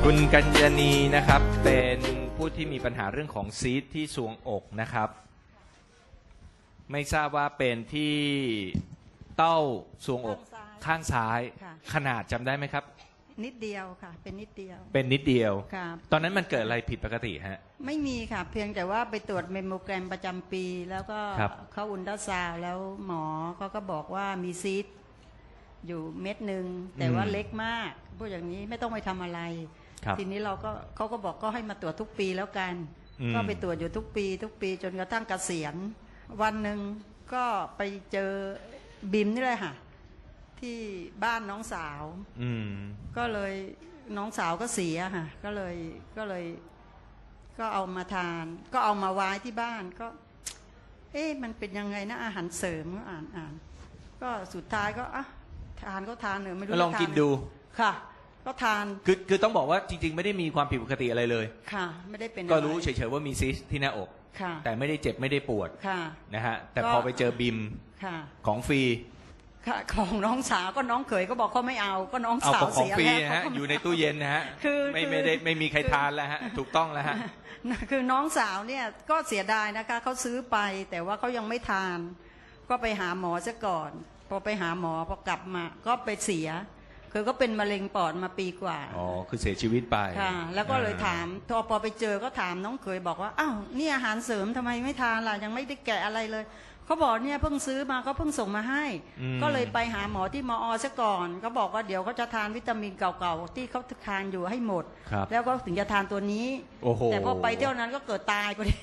คุณกัญญาณีนะครับเป็นผู้ที่มีปัญหาเรื่องของซีสต์ที่ทรวงอกนะครับไม่ทราบว่าเป็นที่เต้าทรวงอกข้างซ้ายขนาดจำได้ไหมครับนิดเดียวค่ะเป็นนิดเดียวเป็นนิดเดียวค่ะตอนนั้นมันเกิดอะไรผิดปกติฮะไม่มีค่ะเพียงแต่ว่าไปตรวจเมมโมแกรมประจำปีแล้วก็เข้าอุลตราซาวด์แล้วหมอเขาก็บอกว่ามีซีสต์อยู่เม็ดหนึ่งแต่ว่าเล็กมากพวกอย่างนี้ไม่ต้องไปทำอะไรทีนี้เขาก็บอกก็ให้มาตรวจทุกปีแล้วกันก็ไปตรวจอยู่ทุกปีจนกระทั่งเกษียณวันหนึ่งก็ไปเจอบิมนี่เลยค่ะที่บ้านน้องสาวก็เลยน้องสาวก็เสียค่ะก็เลยก็เอามาทานก็เอามาไว้ที่บ้านก็มันเป็นยังไงนะอาหารเสริมก็อ่านก็สุดท้ายก็ทานก็ทานไม่รู้ลองกินดูค่ะก็ทานคือต้องบอกว่าจริงๆไม่ได้มีความผิดปกติอะไรเลยค่ะไม่ได้เป็นก็รู้เฉยๆว่ามีซิสที่หน้าอกแต่ไม่ได้เจ็บไม่ได้ปวดนะฮะแต่พอไปเจอบิมของฟรีของน้องสาวก็น้องเขยก็บอกเขาไม่เอาก็น้องสาวเสียแล้วนะฮะอยู่ในตู้เย็นนะฮะไม่มีใครทานแล้วฮะถูกต้องแล้วฮะคือน้องสาวเนี่ยก็เสียดายนะคะเขาซื้อไปแต่ว่าเขายังไม่ทานก็ไปหาหมอซะก่อนพอไปหาหมอพอกลับมาก็ไปเสียคือก็เป็นมะเร็งปอดมาปีกว่าอ๋อคือเสียชีวิตไปค่ะแล้วก็เลยถามพอไปเจอก็ถามน้องเขยบอกว่าอ้าวนี่อาหารเสริมทำไมไม่ทานล่ะยังไม่ได้แกะอะไรเลยเขาบอกเนี่ยเพิ่งซื้อมาเขาเพิ่งส่งมาให้ก็เลยไปหาหมอที่มอซะก่อนเขาบอกว่าเดี๋ยวเขาจะทานวิตามินเก่าๆที่เขาทานอยู่ให้หมดแล้วก็ถึงจะทานตัวนี้แต่พอไปเที่ยวนั้นก็เกิดตายพอดี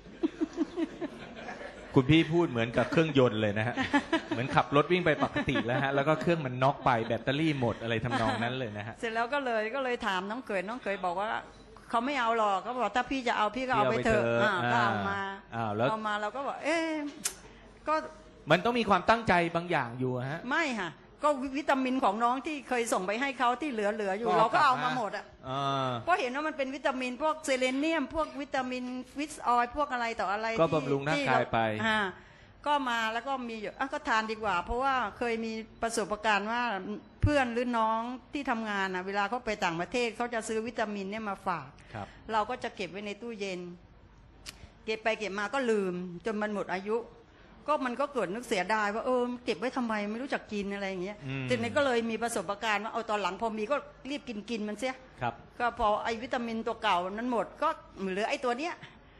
คุณพี่พูดเหมือนกับเครื่องยนต์เลยนะฮะเหมือนขับรถวิ่งไปปกติแล้วฮะแล้วก็เครื่องมันน็อกไปแบตเตอรี่หมดอะไรทำนองนั้นเลยนะฮะเสร็จแล้วก็เลยถามน้องเขยบอกว่าเขาไม่เอาหรอกเขาบอกถ้าพี่จะเอาพี่ก็เอาไปเถอะก็เอามาเราก็บอกก็มันต้องมีความตั้งใจบางอย่างอยู่ฮะไม่ค่ะก็วิตามินของน้องที่เคยส่งไปให้เขาที่เหลืออยู่เราก็เอามาหมดอ่ะเพราะเห็นว่ามันเป็นวิตามินพวกเซเลเนียมพวกวิตามินฟิสออยล์พวกอะไรต่ออะไรก็บำรุงร่างกายไปก็มาแล้วก็มีอยู่ก็ทานดีกว่าเพราะว่าเคยมีประสบการณ์ว่าเพื่อนหรือน้องที่ทำงานเวลาเขาไปต่างประเทศเขาจะซื้อวิตามินเนี่ยมาฝากเราก็จะเก็บไว้ในตู้เย็นเก็บไปเก็บมาก็ลืมจนมันหมดอายุก็มันก็เกิดนึกเสียดายว่าเก็บไว้ทำไมไม่รู้จักกินอะไรอย่างเงี้ยทีนี้ก็เลยมีประสบการณ์ว่าตอนหลังพอมีก็รีบกินมันเสียก็พอไอวิตามินตัวเก่านั้นหมดก็เหลือไอตัวเนี้ย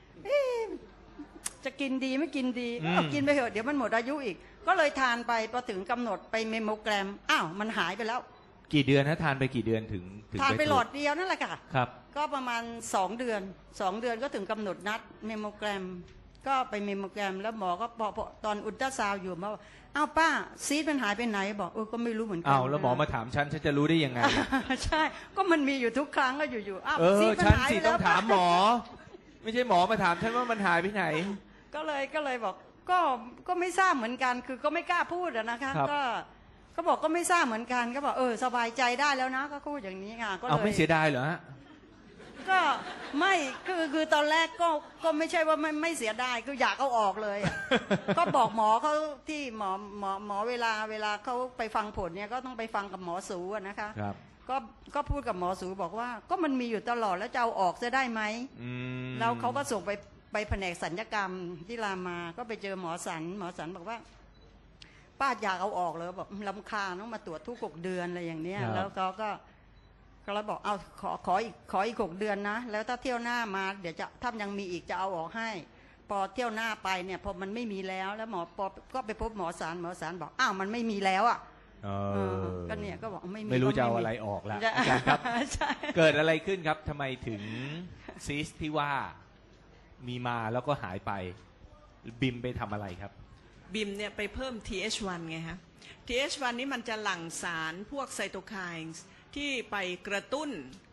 จะกินดีไม่กินดีกินไปเถอะเดี๋ยวมันหมดอายุอีกก็เลยทานไปพอถึงกำหนดไปเมมโมแกรมมันหายไปแล้วกี่เดือนนะทานไปกี่เดือนถึงทานไปหลอดเดียวนั่นแหละค่ะครับก็ประมาณ2 เดือนก็ถึงกำหนดนัดเมมโมแกรมก็ไปเมมโมแกรมแล้วหมอก็พอตอนอุลตราซาวด์อยู่มาป้าซีสมันหายไปไหนบอกก็ไม่รู้เหมือนกันแล้วหมอมาถามฉันจะรู้ได้ยังไงใช่ก็มันมีอยู่ทุกครั้งก็อยู่ซีสมันหายไปแล้วต้องถามหมอไม่ใช่หมอมาถามฉันว่ามันหายไปไหนก็เลยบอกก็ไม่ทราบเหมือนกันคือก็ไม่กล้าพูดนะคะก็บอกก็ไม่ทราบเหมือนกันก็บอกสบายใจได้แล้วนะก็พูดอย่างนี้ค่ะก็เลยไม่เสียดายเหรอฮะก็ไม่คือตอนแรกก็ไม่ใช่ว่าไม่เสียดายคืออยากเอาออกเลยก็บอกหมอเขาที่หมอเวลาเขาไปฟังผลเนี่ยก็ต้องไปฟังกับหมอสูนะคะก็พูดกับหมอสูบอกว่าก็มันมีอยู่ตลอดแล้วจะเอาออกจะได้ไหมแล้วเขาก็ส่งไปแผนกศัลยกรรมที่รามาก็ไปเจอหมอสันบอกว่าป้าอยากเอาออกเลยบอกรำคาญต้องมาตรวจทุก6 เดือนอะไรอย่างเนี้ยแล้วก็เราบอกขออีก6 เดือนนะแล้วถ้าเที่ยวหน้ามาเดี๋ยวจะถ้ายังมีอีกจะเอาออกให้พอเที่ยวหน้าไปเนี่ยพอมันไม่มีแล้วหมอก็ไปพบหมอสารบอกมันไม่มีแล้วก็เนี่ยก็บอกไม่รู้จะเอาอะไรออกแล้วอาจารย์ครับเกิดอะไรขึ้นครับทำไมถึงซีสที่ว่ามีมาแล้วก็หายไปบิมไปทำอะไรครับบิมเนี่ยไปเพิ่ม TH1 ไงฮะ TH1 นี่มันจะหลั่งสารพวกไซโตไคน์ที่ไปกระตุ้น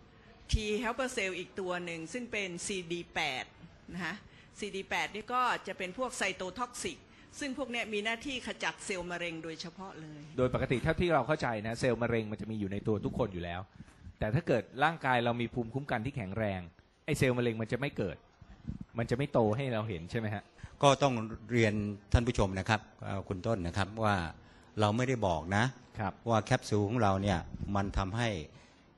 T helper cell อีกตัวหนึ่งซึ่งเป็น CD8 นะฮะ CD8 นี่ก็จะเป็นพวกไซโตท็อกซิกซึ่งพวกนี้มีหน้าที่ขจัดเซลล์มะเร็งโดยเฉพาะเลยโดยปกติเท่าที่เราเข้าใจนะเซลล์มะเร็งมันจะมีอยู่ในตัวทุกคนอยู่แล้วแต่ถ้าเกิดร่างกายเรามีภูมิคุ้มกันที่แข็งแรงไอ้เซลล์มะเร็งมันจะไม่เกิดมันจะไม่โตให้เราเห็นใช่ไหมฮะก็ต้องเรียนท่านผู้ชมนะครับคุณต้นนะครับว่าเราไม่ได้บอกนะว่าแคปซูลของเราเนี่ยมันทำให้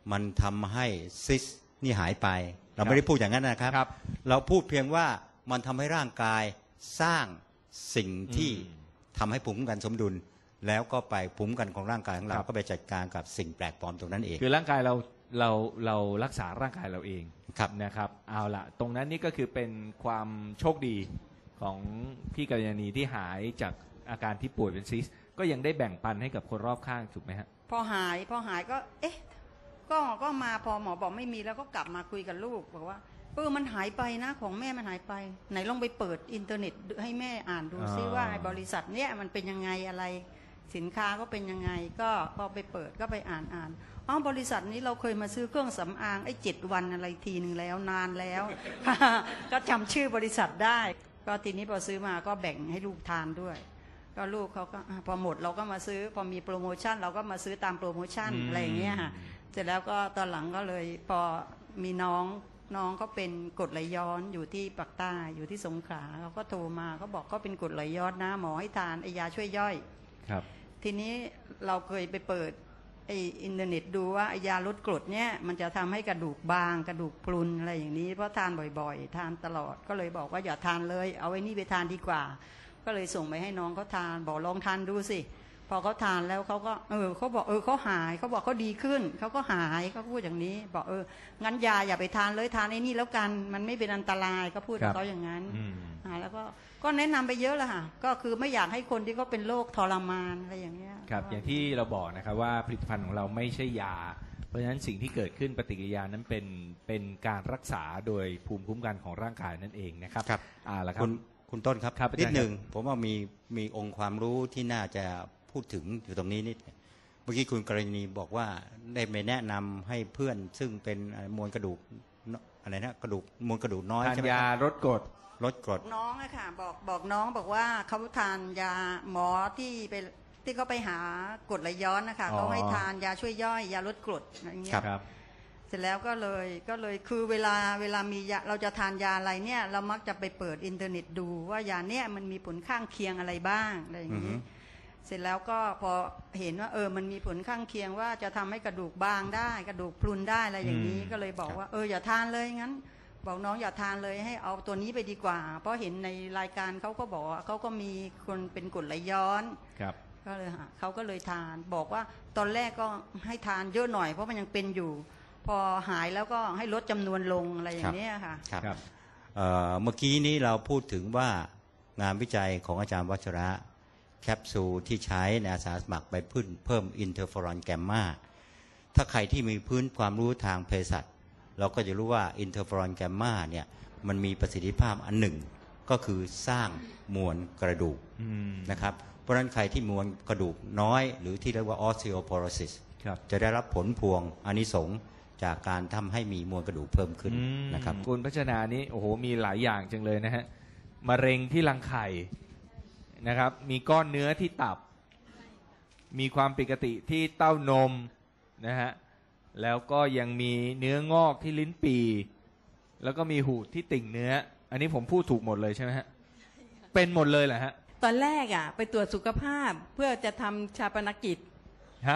มันทำให้ซิสนี่หายไป เราไม่ได้พูดอย่างนั้นนะครับครับเราพูดเพียงว่ามันทำให้ร่างกายสร้างสิ่งที่ทำให้ภูมิคุ้มกันสมดุล แล้วก็ไปภูมิคุ้มกันของร่างกายของเราก็ไปจัดการกับสิ่งแปลกปลอมตรงนั้นเองคือร่างกายเรารักษาร่างกายเราเองครับนะครับเอาละตรงนั้นนี่ก็คือเป็นความโชคดีของพี่กัลยาณีที่หายจากอาการที่ป่วยเป็นซิสก็ยังได้แบ่งปันให้กับคนรอบข้างถูกไหมฮะพอหายก็เอ๊ะก็มาพอหมอบอกไม่มีแล้วก็กลับมาคุยกับลูกบอกว่ามันหายไปนะของแม่มันหายไปไหนลองไปเปิดอินเทอร์เน็ตให้แม่อ่านดูซิว่าไอ้บริษัทเนี้ยมันเป็นยังไงอะไรสินค้าก็เป็นยังไงก็พอไปเปิดก็ไปอ่านบริษัทนี้เราเคยมาซื้อเครื่องสำอาง7 วันอะไรทีหนึ่งแล้วนานแล้ว ก็จำชื่อบริษัทได้ก็ทีนี้พอซื้อมาก็แบ่งให้ลูกทานด้วยก็ลูกเขาก็พอหมดเราก็มาซื้อพอมีโปรโมชั่นเราก็มาซื้อตามโปรโมชั่นอะไรอย่างเงี้ยค่ะเสร็จแล้วก็ตอนหลังก็เลยพอมีน้องเขาเป็นกรดไหลย้อนอยู่ที่ปากใต้อยู่ที่สงขลาเขาก็โทรมาเขาบอกเขาเป็นกรดไหลย้อนนะหมอให้ทานไอยาช่วยย่อยครับทีนี้เราเคยไปเปิดไออินเทอร์เน็ตดูว่าไอยาลดกรดเนี่ยมันจะทำให้กระดูกบางกระดูกพรุนอะไรอย่างนี้เพราะทานบ่อยๆทานตลอดก็เลยบอกว่าอย่าทานเลยเอาไอ้นี่ไปทานดีกว่าก็เลยส่งไปให้น้องเขาทานบอกลองทานดูสิพอเขาทานแล้วเขาก็เขาบอกเขาหายเขาบอกเขาดีขึ้นเขาก็หายเขาพูดอย่างนี้บอกงั้นยาอย่าไปทานเลยทานไอ้นี่แล้วกันมันไม่เป็นอันตรายก็พูดกับเขาอย่างนั้นแล้วก็แนะนำไปเยอะแล้วค่ะก็คือไม่อยากให้คนที่เขาเป็นโรคทรมานอะไรอย่างเงี้ยครับอย่างที่เราบอกนะครับว่าผลิตภัณฑ์ของเราไม่ใช่ยาเพราะฉะนั้นสิ่งที่เกิดขึ้นปฏิกิริยานั้นเป็นการรักษาโดยภูมิคุ้มกันของร่างกายนั่นเองนะครับครับแล้วครับคุณต้นครับครับนิดหนึ่งผมว่ามีองค์ความรู้ที่น่าจะพูดถึงอยู่ตรงนี้นิดเมื่อกี้คุณกรณีบอกว่าได้ไปแนะนำให้เพื่อนซึ่งเป็นมวลกระดูกอะไรนะกระดูกมวลกระดูกน้อยทานใช่ไหมยาลดกรดน้องอะค่ะบอกน้องบอกว่าเขาทานยาหมอที่เขาไปหากรดไหลย้อนนะคะเขาให้ทานยาช่วยย่อยยาลดกรดอะไรเงี้ยเสร็จแล้วก็เลยคือเวลามียาเราจะทานยาอะไรเนี่ยเรามักจะไปเปิดอินเทอร์เน็ตดูว่ายาเนี่ยมันมีผลข้างเคียงอะไรบ้างอะไรอย่างนี้เสร็จแล้วก็พอเห็นว่ามันมีผลข้างเคียงว่าจะทำให้กระดูกบางได้กระดูกพรุนได้อะไรอย่างนี้ก็เลยบอกว่าอย่าทานเลยงั้นบอกน้องอย่าทานเลยให้เอาตัวนี้ไปดีกว่าเพราะเห็นในรายการเขาก็บอกเขาก็มีคนเป็นกรดไหลย้อนก็เลยเขาก็เลยทานบอกว่าตอนแรกก็ให้ทานเยอะหน่อยเพราะมันยังเป็นอยู่พอหายแล้วก็ให้ลดจำนวนลงอะไรอย่างนี้ค่ะครับเมื่อกี้นี้เราพูดถึงว่างานวิจัยของอาจารย์วัชระแคปซูลที่ใช้ในอาสาสมัครไปเพิ่มอินเทอร์เฟอรอนแกมมาถ้าใครที่มีพื้นความรู้ทางเภสัชเราก็จะรู้ว่าอินเทอร์เฟอรอนแกมมาเนี่ยมันมีประสิทธิภาพอันหนึ่งก็คือสร้างมวลกระดูกนะครับเพราะฉะนั้นใครที่มวลกระดูกน้อยหรือที่เรียกว่า osteoporosis จะได้รับผลพวงอานิสงส์จากการทำให้มีมวลกระดูกเพิ่มขึ้นนะครับคุณพัชนานี้โอ้โหมีหลายอย่างจังเลยนะฮะมะเร็งที่รังไข่นะครับมีก้อนเนื้อที่ตับมีความผิดปกติที่เต้านมนะฮะแล้วก็ยังมีเนื้องอกที่ลิ้นปี่แล้วก็มีหูดที่ติ่งเนื้ออันนี้ผมพูดถูกหมดเลยใช่ไหมฮะเป็นหมดเลยเหรอฮะตอนแรกไปตรวจสุขภาพเพื่อจะทำชาปนกิจฮะ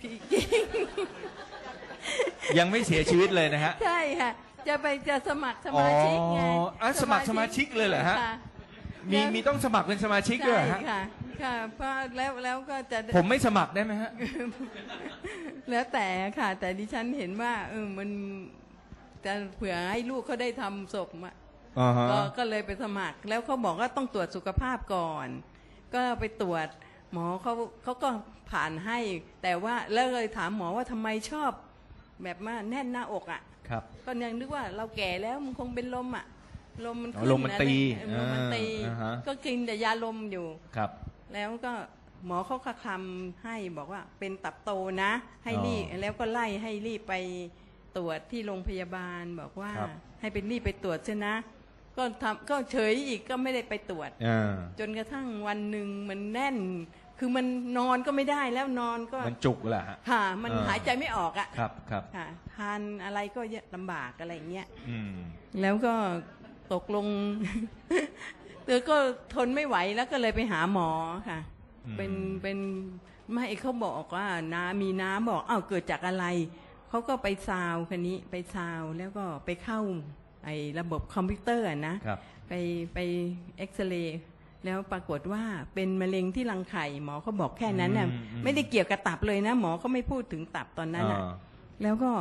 ยังไม่เสียชีวิตเลยนะฮะใช่ค่ะจะสมัครสมาชิกไงสมัครสมาชิกเลยเหรอฮะมีต้องสมัครเป็นสมาชิกด้วยฮะค่ะเพราะแล้วก็จะผมไม่สมัครได้ไหมฮะแล้วแต่ค่ะแต่ดิฉันเห็นว่ามันจะเผื่อให้ลูกเขาได้ทำศพก็เลยไปสมัครแล้วเขาบอกว่าต้องตรวจสุขภาพก่อนก็ไปตรวจหมอเขาก็ผ่านให้แต่ว่าแล้วเลยถามหมอว่าทำไมชอบแบบว่าแน่นหน้าอกครับก็ยังนึกว่าเราแก่แล้วมันคงเป็นลมลมมันขึ้นลมมันตีก็กินแต่ยาลมอยู่ครับแล้วก็หมอเขาคำให้บอกว่าเป็นตับโตนะให้รีบแล้วก็ไล่ให้รีบไปตรวจที่โรงพยาบาลบอกว่าให้เป็นรีบไปตรวจใช่นะก็เฉยอีกก็ไม่ได้ไปตรวจจนกระทั่งวันหนึ่งมันแน่นคือมันนอนก็ไม่ได้แล้วนอนก็มันจุกแหละค่ะมันหายใจไม่ออกครับค่ะทานอะไรก็ลำบากอะไรอย่างเงี้ยแล้วก็ตกลงเธอก็ทนไม่ไหวแล้วก็เลยไปหาหมอค่ะเป็นไม่เขาบอกว่ามีน้ำบอกเกิดจากอะไรเขาก็ไปซาวคันนี้ไปซาวแล้วก็ไปเข้าไอ้ระบบคอมพิวเตอร์นะครับ ไปเอ็กซเรย์แล้วปรากฏว่าเป็นมะเร็งที่รังไข่หมอเขาบอกแค่นั้นน่ะไม่ได้เกี่ยวกับตับเลยนะหมอเขาไม่พูดถึงตับตอนนั้นน่ะแล้วก็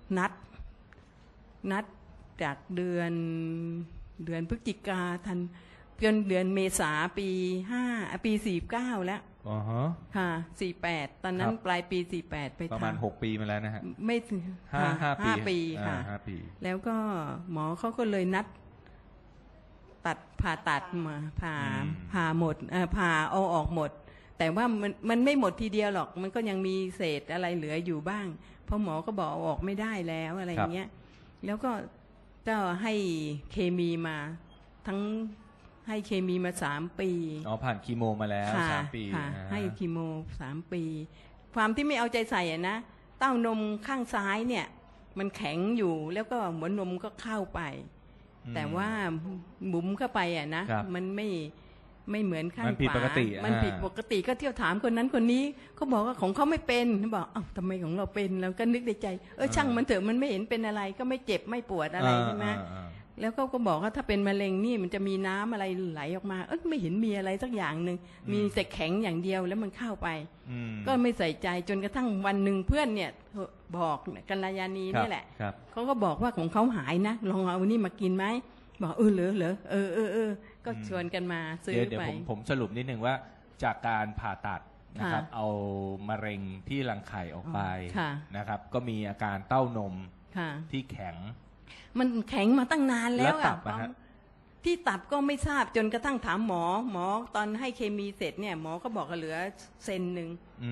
นัดจากเดือนพฤศจิกาทันจนเดือนเมษาปี49แล้วค่ะ48ตอนนั้นปลายปี48ไปทำประมาณ6 ปีมาแล้วนะฮะไม่ถึง5 ปีค่ะ 5 ปีแล้วก็หมอเขาก็เลยนัดผ่าตัดมาผ่าหมดผ่าเอาออกหมดแต่ว่ามันไม่หมดทีเดียวหรอกมันก็ยังมีเศษอะไรเหลืออยู่บ้างเพราะหมอก็บอกเอาออกไม่ได้แล้วอะไรอย่างเงี้ยแล้วก็ให้เคมีมาทั้งให้เคมีมา3 ปีผ่านคีโมมาแล้ว3 ปีให้คีโม3 ปีความที่ไม่เอาใจใส่อะนะเต้านมข้างซ้ายเนี่ยมันแข็งอยู่แล้วก็หัวนมก็เข้าไปแต่ว่าบุ๋มเข้าไปอะนะมันไม่เหมือนข้างขวามันผิดปกติก็เที่ยวถามคนนั้นคนนี้เขาบอกว่าของเขาไม่เป็นเขาบอกอ้าวทำไมของเราเป็นแล้วก็นึกในใจช่างมันเถอะมันไม่เห็นเป็นอะไรก็ไม่เจ็บไม่ปวดอะไรใช่ไหมแล้วก็บอกว่าถ้าเป็นมะเร็งนี่มันจะมีน้ำอะไรไหลออกมาไม่เห็นมีอะไรสักอย่างหนึ่งมีแต่แข็งอย่างเดียวแล้วมันเข้าไปก็ไม่ใส่ใจจนกระทั่งวันหนึ่งเพื่อนเนี่ยบอกกัลยาณีนี่แหละเขาก็บอกว่าของเขาหายนะลองเอานี่มากินไหมบอกเหรอก็ชวนกันมาซื้อไปเดี๋ยวผมสรุปนิดนึงว่าจากการผ่าตัดนะครับเอามะเร็งที่รังไข่ออกไปนะครับก็มีอาการเต้านมที่แข็งมันแข็งมาตั้งนานแล้วอ่ะที่ตับก็ไม่ทราบจนกระทั่งถามหมอตอนให้เคมีเสร็จเนี่ยหมอก็บอกว่าเหลือเซนหนึ่ง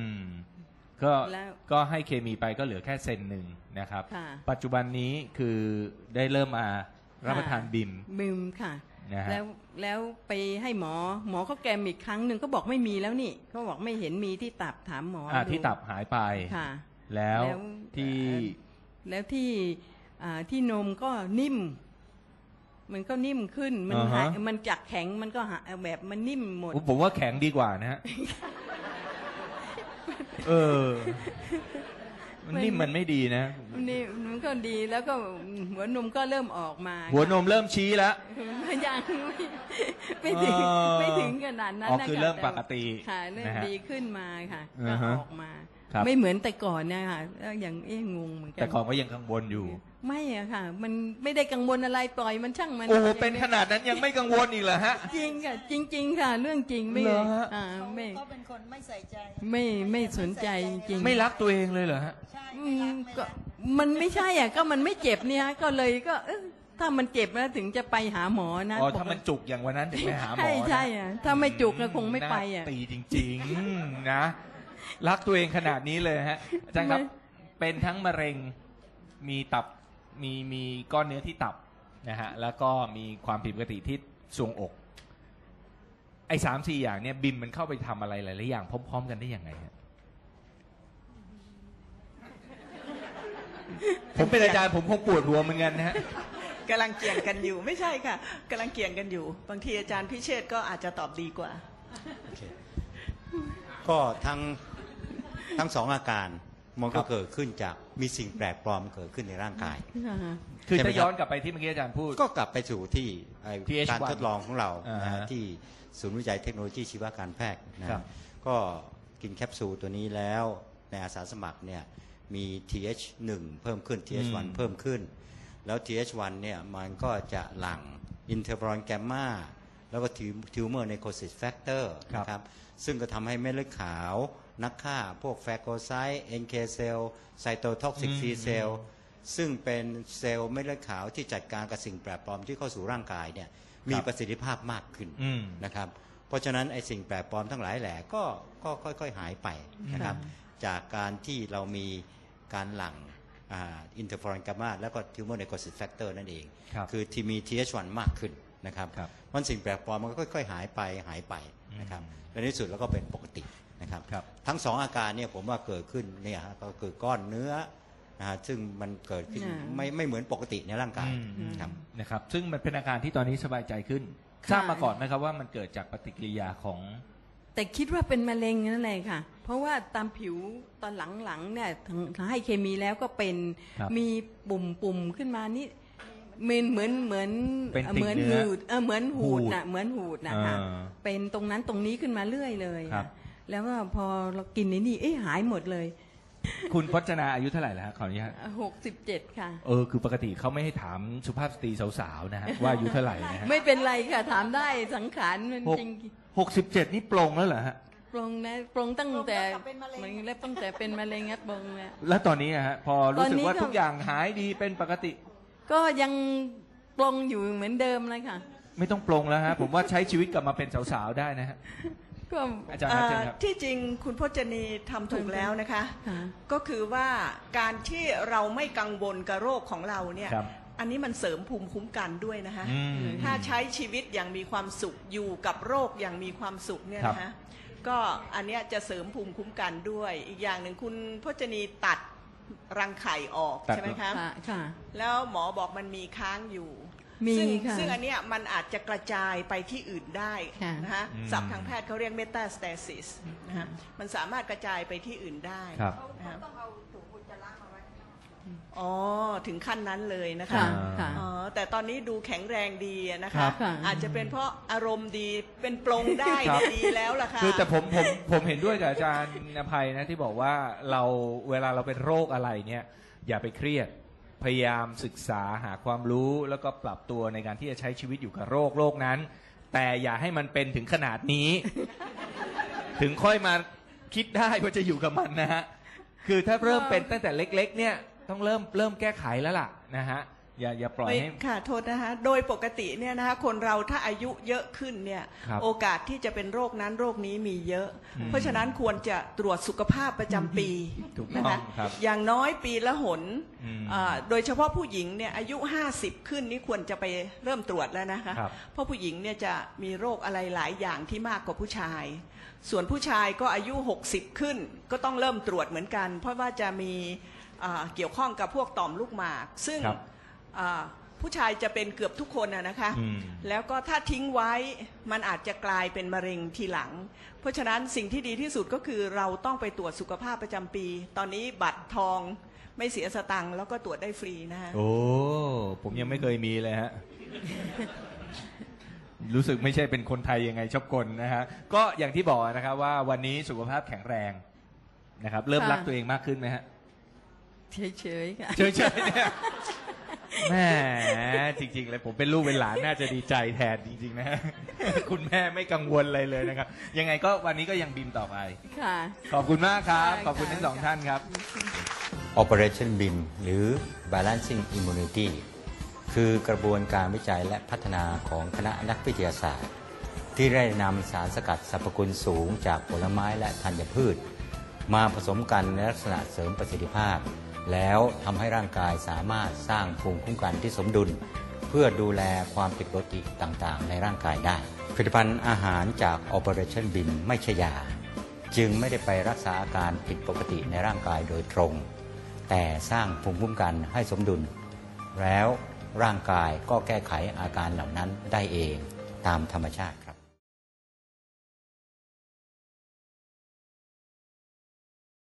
ก็ให้เคมีไปก็เหลือแค่เซนหนึ่งนะครับปัจจุบันนี้คือได้เริ่มมารับประทานบิมค่ะแล้วไปให้หมอเขาแกมอีกครั้งหนึ่งก็บอกไม่มีแล้วนี่เขาบอกไม่เห็นมีที่ตับถามหมอที่ตับหายไปแล้วที่นมก็นิ่มมันก็นิ่มขึ้นมันจากแข็งมันก็แบบมันนิ่มหมดผมว่าแข็งดีกว่านะฮะมันนิ่มมันไม่ดีนะนี่มันก็ดีแล้วก็หัวนมก็เริ่มออกมาหัวนมเริ่มชี้แล้วยังไม่ถึงขนาดนั้นนะคือเริ่มปกติค่ะเริ่มดีขึ้นมาค่ะก็ออกมาไม่เหมือนแต่ก่อนนะคะอย่างงงเหมือนกันแต่ก่อนก็ยังกังวลอยู่ไม่อะค่ะมันไม่ได้กังวลอะไรปล่อยมันช่างมันโอ้เป็นขนาดนั้นยังไม่กังวลอีกเหรอฮะจริงค่ะจริงๆค่ะเรื่องจริงไม่เขาเป็นคนไม่ใส่ใจไม่สนใจจริงไม่รักตัวเองเลยเหรอฮะใช่ไม่รักก็มันไม่ใช่อ่ะก็มันไม่เจ็บเนี่ยก็เลยก็ถ้ามันเจ็บแล้วถึงจะไปหาหมอนะถ้ามันจุกอย่างวันนั้นถึงไปหาหมอใช่อ่ะถ้าไม่จุกก็คงไม่ไปอ่ะตีจริงๆนะรักตัวเองขนาดนี้เลยฮะอาจารย์ครับเป็นทั้งมะเร็งมีตับมีก้อนเนื้อที่ตับนะฮะแล้วก็มีความผิดปกติที่ทรวงอกไอ้3-4 อย่างเนี่ยบิมมันเข้าไปทำอะไรหลายๆอย่างพร้อมๆกันได้ยังไงฮะผมเป็นอาจารย์ผมคงปวดหัวเหมือนกันนะฮะกำลังเกี่ยงกันอยู่ไม่ใช่ค่ะกำลังเกี่ยงกันอยู่บางทีอาจารย์พิเชษก็อาจจะตอบดีกว่าก็ทั้ง2 อาการมันก็เกิดขึ้นจากมีสิ่งแปลกปลอมเกิดขึ้นในร่างกายคือถ้าย้อนกลับไปที่เมื่อกี้อาจารย์พูดก็กลับไปสู่ที่การทดลองของเราที่ศูนย์วิจัยเทคโนโลยีชีวการแพทย์นะก็กินแคปซูลตัวนี้แล้วในอาสาสมัครเนี่ยมี TH1 เพิ่มขึ้น TH1 เพิ่มขึ้นแล้ว TH1 เนี่ยมันก็จะหลั่งอินเทอร์ฟอรอนแกมมาแล้วก็ทิวเมอร์ไนโคซิสแฟกเตอร์นะครับซึ่งก็ทำให้เม็ดเลือดขาวนักฆ่าพวกแฟโกไซต์ NK เซลล์ไซโตท็อกซิก C เซลล์ซึ่งเป็นเซลล์เม็ดเลือดขาวที่จัดการกับสิ่งแปลกปลอมที่เข้าสู่ร่างกายเนี่ยมีประสิทธิภาพมากขึ้นนะครับเพราะฉะนั้นไอ้สิ่งแปลกปลอมทั้งหลายแหล่ก็ค่อยๆหายไปนะครับจากการที่เรามีการหลั่งอินเทอร์ฟอรอนกามาแล้วก็ทิวเมอร์ไนโคซิสแฟกเตอร์นั่นเองคือที่มี TH1 มากขึ้นนะครับมันสิ่งแปลกปลอมมันก็ค่อยๆหายไปนะครับในที่สุดแล้วก็เป็นปกตินะครับทั้ง2 อาการเนี่ยผมว่าเกิดขึ้นเนี่ยก็เกิดก้อนเนื้อซึ่งมันเกิดขึ้นไม่เหมือนปกติในร่างกายนะครับซึ่งมันเป็นอาการที่ตอนนี้สบายใจขึ้นทราบมาก่อนไหมครับว่ามันเกิดจากปฏิกิริยาของแต่คิดว่าเป็นมะเร็งนั่นแหละค่ะ เพราะว่าตามผิวตอนหลังๆเนี่ยถ้าให้เคมีแล้วก็เป็นครับมีปุ่มขึ้นมานี่เหมือนเป็นติ่งเหมือนเนื้อหูดเหมือนหูดหูดน่ะเหมือนหูดนะคะอ่าเป็นตรงนั้นตรงนี้ขึ้นมาเรื่อยเลยครับแล้วก็พอเรากินนี่หายหมดเลยคุณพจนาอายุเท่าไหร่แล้วฮะขออนุญาต 67 ค่ะคือปกติเขาไม่ให้ถามสุภาพสตรีสาวๆนะฮะว่าอายุเท่าไหร่นะฮะไม่เป็นไรค่ะถามได้สังขารมันหกจริง 67 นี่ปลงแล้วเหรอฮะปรงนะปรงตั้งแต่ปรงตั้งแต่เป็นมะเร็งมันเล็บตั้งแต่เป็นมะเร็งปรงเนี่ยแล้วตอนนี้อะฮะพอรู้สึกว่าตอนนี้ก็ทุกอย่างหายดีเป็นปกติก็ยังปรงอยู่เหมือนเดิมเลยค่ะไม่ต้องปลงแล้วฮะผมว่าใช้ชีวิตกลับมาเป็นสาวๆได้นะฮะก็อาจารย์ครับเชิญครับที่จริงคุณพจนีทำถูกแล้วนะคะค่ะก็คือว่าการที่เราไม่กังวลกับโรคของเราเนี่ยครับอันนี้มันเสริมภูมิคุ้มกันด้วยนะคะอืมถ้าใช้ชีวิตอย่างมีความสุขอยู่กับโรคอย่างมีความสุขเนี่ยครับนะคะก็อันเนี้ยจะเสริมภูมิคุ้มกันด้วย อีกอย่างหนึ่งคุณพจนีตัดรังไข่ออกตัดใช่ไหมคะค่ะแล้วหมอบอกมันมีค้างอยู่มีซึ่งค่ะซึ่งอันเนี้ยมันอาจจะกระจายไปที่อื่นได้ค่ะนะคะอืมศัพท์ทางแพทย์เขาเรียกเมตาสเตซิสนะคะมันสามารถกระจายไปที่อื่นได้ครับนะคะต้องเอาถุงอุจจาระมาไว้อ๋อถึงขั้นนั้นเลยนะคะค่ะค่ะอ๋อแต่ตอนนี้ดูแข็งแรงดีอะนะครัคะบค่ะอาจจะเป็นเพราะอารมณ์ดีเป็นปลงได้ครับดีแล้วล่ะค่ะคือแต่ผมเห็นด้วยกับอาจารย์อภัยนะที่บอกว่าเราเวลาเราเป็นโรคอะไรเนี่ยอย่าไปเครียดพยายามศึกษาหาความรู้แล้วก็ปรับตัวในการที่จะใช้ชีวิตอยู่กับโรคนั้น แต่อย่าให้มันเป็นถึงขนาดนี้ ถึงค่อยมาคิดได้ว่าจะอยู่กับมันนะฮะคือถ้าเริ่มเป็นตั้งแต่เล็ก ๆ เนี่ยต้องเริ่มแก้ไขแล้วล่ะนะฮะอย่าปล่อยให้ค่ะโทษนะคะโดยปกติเนี่ยนะคะคนเราถ้าอายุเยอะขึ้นเนี่ยครับโอกาสที่จะเป็นโรคนั้นโรคนี้มีเยอะอืมเพราะฉะนั้นควรจะตรวจสุขภาพประจำปีถูกต้องนะคะครับอย่างน้อยปีละหนอืมโดยเฉพาะผู้หญิงเนี่ยอายุ50ขึ้นนี่ควรจะไปเริ่มตรวจแล้วนะคะครับเพราะผู้หญิงเนี่ยจะมีโรคอะไรหลายอย่างที่มากกว่าผู้ชาย ส่วนผู้ชายก็อายุ60ขึ้นก็ต้องเริ่มตรวจเหมือนกัน เพราะว่าจะมีเกี่ยวข้องกับพวกต่อมลูกหมาก ซึ่งครับผู้ชายจะเป็นเกือบทุกคนนะคะอืมแล้วก็ถ้าทิ้งไว้มันอาจจะกลายเป็นมะเร็งทีหลัง เพราะฉะนั้นสิ่งที่ดีที่สุดก็คือเราต้องไปตรวจสุขภาพประจำปี ตอนนี้บัตรทองไม่เสียสตังค์แล้วก็ตรวจได้ฟรีนะฮะโอ้ผมยังไม่เคยมีเลยฮะ รู้สึกไม่ใช่เป็นคนไทยยังไงชอบกลนะฮะก็อย่างที่บอกนะครับว่าวันนี้สุขภาพแข็งแรงนะครับ เริ่มค่ะรักตัวเองมากขึ้นไหมฮะเฉยๆค่ะเฉยๆเนี่ยแม่จริงๆเลยผมเป็นลูกเป็นหลานน่าจะดีใจแทนจริงๆนะฮะ คุณแม่ไม่กังวลอะไรเลยนะครับ ยังไงก็วันนี้ก็ยังบินต่อไปค่ะขอบคุณมากครับค่ะขอบคุณทั้งสองท่านครับ Operation BIM หรือ Balancing Immunity คือกระบวนการวิจัยและพัฒนาของคณะนักวิทยาศาสตร์ ที่ได้นำสารสกัดสรรพคุณสูงจากผลไม้และธัญพืช มาผสมกันในลักษณะเสริมประสิทธิภาพ แล้วทำให้ร่างกายสามารถสร้างภูมิคุ้มกันที่สมดุล เพื่อดูแลความผิดปกติต่างๆ ในร่างกายได้ ผลิตภัณฑ์อาหารจาก Operation BIM ไม่ใช่ยา จึงไม่ได้ไปรักษาอาการผิดปกติในร่างกายโดยตรง แต่สร้างภูมิคุ้มกันให้สมดุล แล้วร่างกายก็แก้ไขอาการเหล่านั้นได้เองตามธรรมชาติครับ